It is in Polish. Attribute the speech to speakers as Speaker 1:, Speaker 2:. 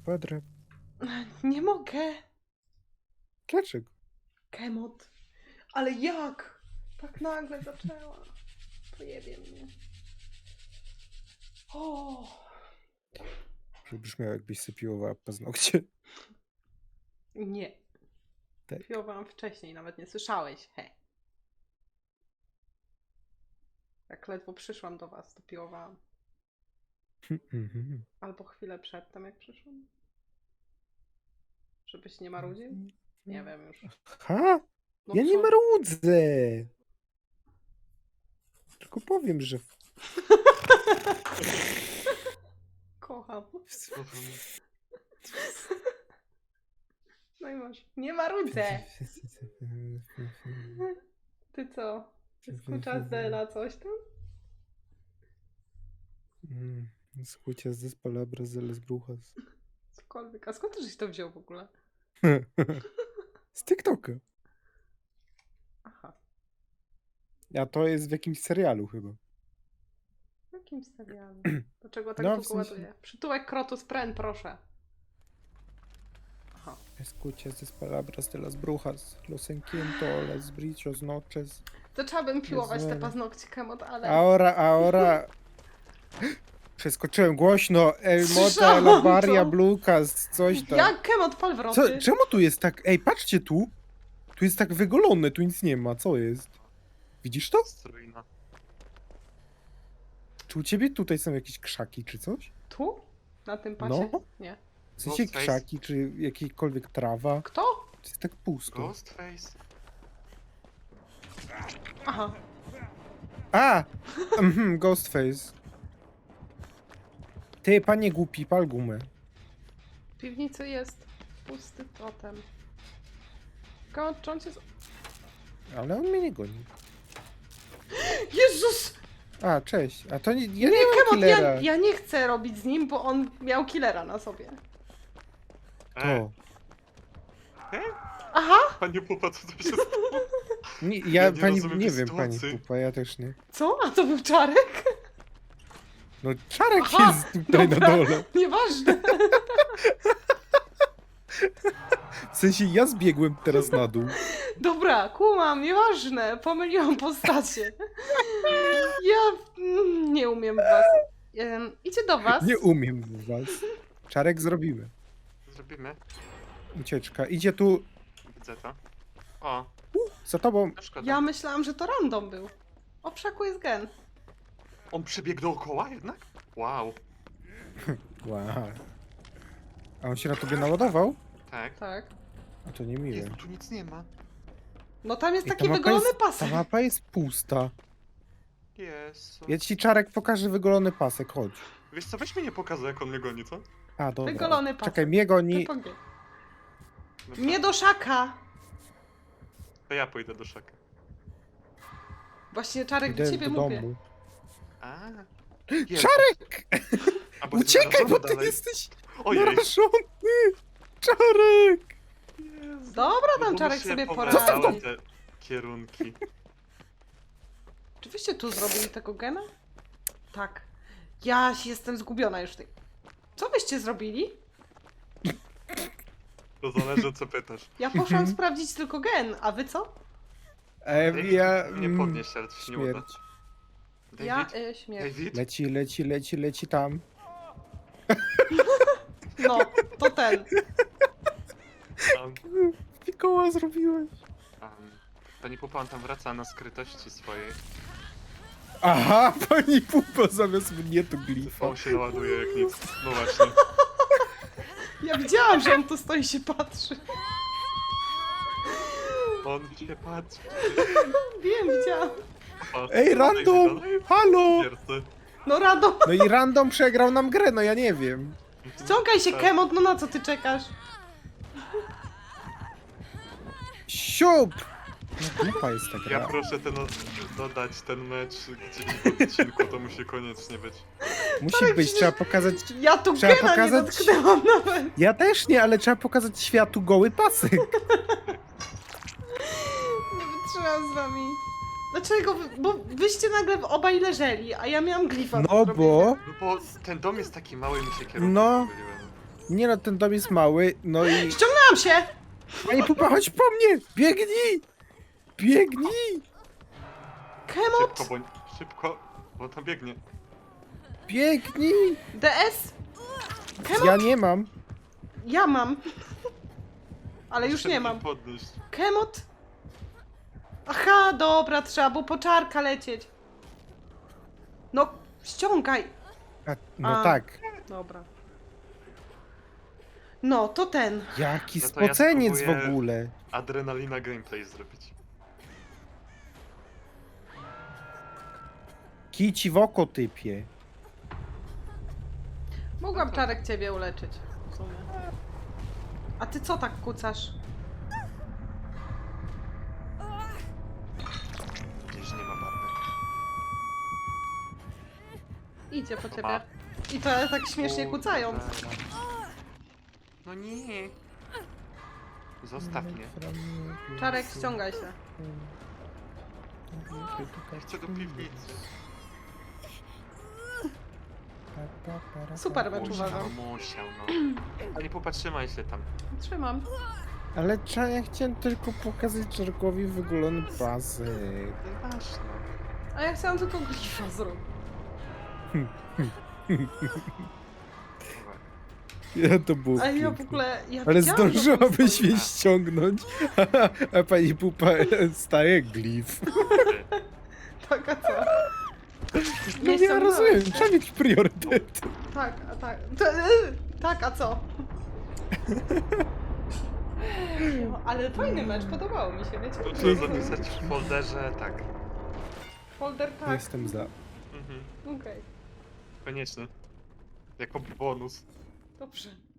Speaker 1: Kwadrat.
Speaker 2: Nie mogę.
Speaker 1: Dlaczego?
Speaker 2: Kemot. Ale jak? Tak nagle zaczęła. Pojebie mnie. O.
Speaker 1: Żeby brzmiało, jakbyś sobie piłowała paznokcie.
Speaker 2: Nie.
Speaker 1: Tak.
Speaker 2: Piłowałam wcześniej, nawet nie słyszałeś. He. Jak ledwo przyszłam do was, to piłowałam.
Speaker 1: Mhm.
Speaker 2: Albo chwilę przedtem, jak przyszłam. Żebyś nie marudził? Nie wiem już.
Speaker 1: Ha?
Speaker 2: No
Speaker 1: Ja nie
Speaker 2: co?
Speaker 1: marudzę. Tylko powiem, że...
Speaker 2: Kocham. No i masz. Nie marudzę! Ty co? Escuchas de la coś tam?
Speaker 1: Escuchas de palabras de las brujas.
Speaker 2: Cokolwiek. A skąd żeś to wziął w ogóle?
Speaker 1: Z TikToka.
Speaker 2: Aha.
Speaker 1: A to jest w jakimś serialu chyba.
Speaker 2: W jakim serialu? Dlaczego tak
Speaker 1: No,
Speaker 2: długo
Speaker 1: w sensie-
Speaker 2: ładuje? Przytułek Krotus Pren, proszę. Aha.
Speaker 1: Escuchas de palabras de las brujas. Los enquiento, las brillos noches.
Speaker 2: Zaczęłabym piłować te
Speaker 1: Jezu.
Speaker 2: paznokcie Kemot, ale...
Speaker 1: Ahora. Przeskoczyłem głośno. El Mota,
Speaker 2: Słyszałam
Speaker 1: La Varia,
Speaker 2: to.
Speaker 1: Blukas, coś tam.
Speaker 2: Jak Kemot pal
Speaker 1: Co,
Speaker 2: wroty?
Speaker 1: czemu tu jest tak? Ej, patrzcie tu. Tu jest tak wygolone, tu nic nie ma. Co jest? Widzisz to?
Speaker 3: Strójna.
Speaker 1: Czy u ciebie tutaj są jakieś krzaki czy coś?
Speaker 2: Tu? Na tym pasie?
Speaker 1: No.
Speaker 2: Nie.
Speaker 1: W sensie
Speaker 3: Ghostface.
Speaker 1: krzaki, czy jakiejkolwiek trawa?
Speaker 2: Kto?
Speaker 1: To jest tak pusto.
Speaker 3: Ghostface.
Speaker 2: Aha.
Speaker 1: A! Ghostface. Ty, panie głupi, pal gumę.
Speaker 2: W piwnicy jest pusty totem. Kemot, czy on cię...
Speaker 1: Ale on mnie nie goni.
Speaker 2: Jezus!
Speaker 1: A, cześć. A to nie, ja
Speaker 2: Nie,
Speaker 1: nie mam
Speaker 2: Kemot,
Speaker 1: killera.
Speaker 2: ja nie chcę robić z nim, bo on miał killera na sobie.
Speaker 1: To.
Speaker 2: Aha!
Speaker 3: Panie Pupa, co to się stało?
Speaker 1: Nie,
Speaker 3: Ja
Speaker 1: ja
Speaker 3: nie
Speaker 1: pani,
Speaker 3: rozumiem
Speaker 1: nie
Speaker 3: tej
Speaker 1: wiem, pani
Speaker 3: sytuacji.
Speaker 1: Pupa, ja też nie.
Speaker 2: Co? A to był Czarek?
Speaker 1: No Czarek
Speaker 2: Aha,
Speaker 1: jest tutaj
Speaker 2: dobra.
Speaker 1: na dole.
Speaker 2: Nieważne.
Speaker 1: W sensie ja zbiegłem teraz na dół.
Speaker 2: Dobra, kumam, nieważne. Pomyliłam postacie. Ja nie umiem was. Idzie do was.
Speaker 1: Nie umiem w was. Czarek zrobimy.
Speaker 3: Zrobimy.
Speaker 1: Ucieczka. Idzie tu
Speaker 3: Widzę to. O,
Speaker 1: za tobą.
Speaker 3: no szkoda.
Speaker 2: Ja myślałam, że to random był. O, przaku jest gen.
Speaker 3: On przebiegł dookoła jednak? Wow.
Speaker 1: Wow. A on się na tobie naładował?
Speaker 3: Tak.
Speaker 2: Tak.
Speaker 1: A to nie miłe.
Speaker 3: Jezu, tu nic nie ma.
Speaker 2: No tam jest
Speaker 1: Ej,
Speaker 2: taki wygolony
Speaker 1: ta
Speaker 2: pasek.
Speaker 1: mapa jest pusta.
Speaker 3: Jezu.
Speaker 1: Ja ci Czarek pokażę wygolony pasek, chodź.
Speaker 3: Wiesz co, weź mi nie pokazać, jak on mnie goni, co?
Speaker 1: A, dobra.
Speaker 2: Wygolony pasek.
Speaker 1: Czekaj, mnie goni.
Speaker 2: Ty pogie-
Speaker 3: No to,
Speaker 2: Nie do szaka.
Speaker 3: to ja pójdę do szaka.
Speaker 2: Właśnie Czarek do
Speaker 1: Idę
Speaker 2: ciebie
Speaker 1: do
Speaker 2: mówię.
Speaker 1: domu.
Speaker 3: A. Jezu.
Speaker 1: Czarek!
Speaker 3: A, bo jest
Speaker 1: Uciekaj, bo
Speaker 3: narażony
Speaker 1: ty
Speaker 3: dalej.
Speaker 1: jesteś
Speaker 3: Ojej.
Speaker 1: narażony! Czarek!
Speaker 3: Jezu.
Speaker 2: Dobra,
Speaker 3: No
Speaker 2: tam
Speaker 3: bo
Speaker 2: Czarek
Speaker 3: mi się
Speaker 2: sobie
Speaker 3: powracały
Speaker 2: poradzi.
Speaker 3: te kierunki.
Speaker 2: Czy wyście tu zrobili tego gena? Tak. Ja jestem zgubiona już w tej... Co wyście zrobili?
Speaker 3: To zależy, co pytasz.
Speaker 2: Ja poszłam sprawdzić tylko gen, a wy co?
Speaker 3: David,
Speaker 1: Ja...
Speaker 3: nie podnieś, ale to się nie uda.
Speaker 1: Śmierć.
Speaker 3: David?
Speaker 2: Ja śmierć.
Speaker 3: David?
Speaker 1: Leci tam.
Speaker 2: No, to ten.
Speaker 3: Um,
Speaker 1: Fikoła zrobiłeś.
Speaker 3: Pani Pupa, on tam wraca na skrytości swojej.
Speaker 1: Aha, pani Pupa zamiast mnie tu glifa.
Speaker 3: On się naładuje jak nic. No właśnie.
Speaker 2: Ja widziałam, że on tu stoi i się patrzy.
Speaker 3: On się patrzy.
Speaker 2: Wiem, widziałam.
Speaker 1: Ej, random! Halo!
Speaker 3: Wiercy.
Speaker 2: No Rado,
Speaker 1: No i random przegrał nam grę, no ja nie wiem.
Speaker 2: ściągaj się Kemot, no na co ty czekasz?
Speaker 1: Siup! No dupa jest ta
Speaker 3: Ja
Speaker 1: gra.
Speaker 3: proszę dodać ten mecz gdzieś w odcinku, to musi koniecznie być.
Speaker 1: Musi być, trzeba pokazać...
Speaker 2: Ja tu
Speaker 1: Trzeba
Speaker 2: gena nie
Speaker 1: pokazać-
Speaker 2: dotknęłam nawet.
Speaker 1: Ja też nie, ale trzeba pokazać światu goły pasek.
Speaker 2: Nie wytrzymam z wami. Dlaczego? Bo wyście nagle obaj leżeli, a ja miałam glifa. do
Speaker 1: No
Speaker 2: zrobienia.
Speaker 1: bo...
Speaker 3: No bo ten dom jest taki mały, mi się kierunki
Speaker 1: No.
Speaker 3: pomyliły.
Speaker 1: Nie no, ten dom jest mały, no i...
Speaker 2: Ściągnęłam się!
Speaker 1: Pani Pupa, chodź po mnie! Biegnij! Biegnij!
Speaker 2: Kemot!
Speaker 3: Szybko, bo tam biegnie.
Speaker 1: Biegnij!
Speaker 2: DS? Kemot?
Speaker 1: Ja nie mam.
Speaker 2: Ja mam. Ale już
Speaker 3: Muszę
Speaker 2: nie
Speaker 3: mnie
Speaker 2: mam.
Speaker 3: podnieść.
Speaker 2: Kemot? Aha, dobra, trzeba było po czarka lecieć. No, ściągaj.
Speaker 1: No
Speaker 2: A.
Speaker 1: tak.
Speaker 2: Dobra. No, to ten.
Speaker 1: Jaki
Speaker 3: No to ja
Speaker 1: spoceniec w
Speaker 3: spróbuję-
Speaker 1: ogóle.
Speaker 3: Adrenalina gameplay zrobić.
Speaker 1: Kici w oko typie.
Speaker 2: Mogłam czarek ciebie uleczyć. W sumie. A ty co tak kucasz?
Speaker 3: Gdzieś nie ma barwy.
Speaker 2: Idzie po ciebie.
Speaker 3: Ma.
Speaker 2: I to tak śmiesznie kucając.
Speaker 3: No nie. Zostaw mnie.
Speaker 2: Czarek, ściągaj się.
Speaker 3: Chcę do piwnicy.
Speaker 2: Super mecz, uważam.
Speaker 3: Musiał, no. Ale popatrzymaj się tam.
Speaker 2: Trzymam.
Speaker 1: Ale ja chciałem tylko pokazać Czarkowi wygolony pasek.
Speaker 3: Ważne.
Speaker 2: A ja chciałam tylko glifa zrobić.
Speaker 1: Ja to było
Speaker 2: A ja w
Speaker 1: piękne.
Speaker 2: ogóle... Ja
Speaker 1: Ale
Speaker 2: widziałam
Speaker 1: zdążyłabyś
Speaker 2: tą
Speaker 1: mnie ściągnąć, a pani Pupa staje glif.
Speaker 2: Tak, a co?
Speaker 1: No nie
Speaker 2: ściągnąłeś
Speaker 1: rozumiem,
Speaker 2: się.
Speaker 1: trzeba mieć priorytet.
Speaker 2: Tak, a tak. Tak, a co? No, ale fajny mecz, podobało mi się, wiecie?
Speaker 3: To trzeba zapisać w folderze, tak.
Speaker 2: Folder tak.
Speaker 1: Jestem za.
Speaker 3: Mhm.
Speaker 2: Okej,
Speaker 3: Koniecznie. Jako bonus.
Speaker 2: dobrze.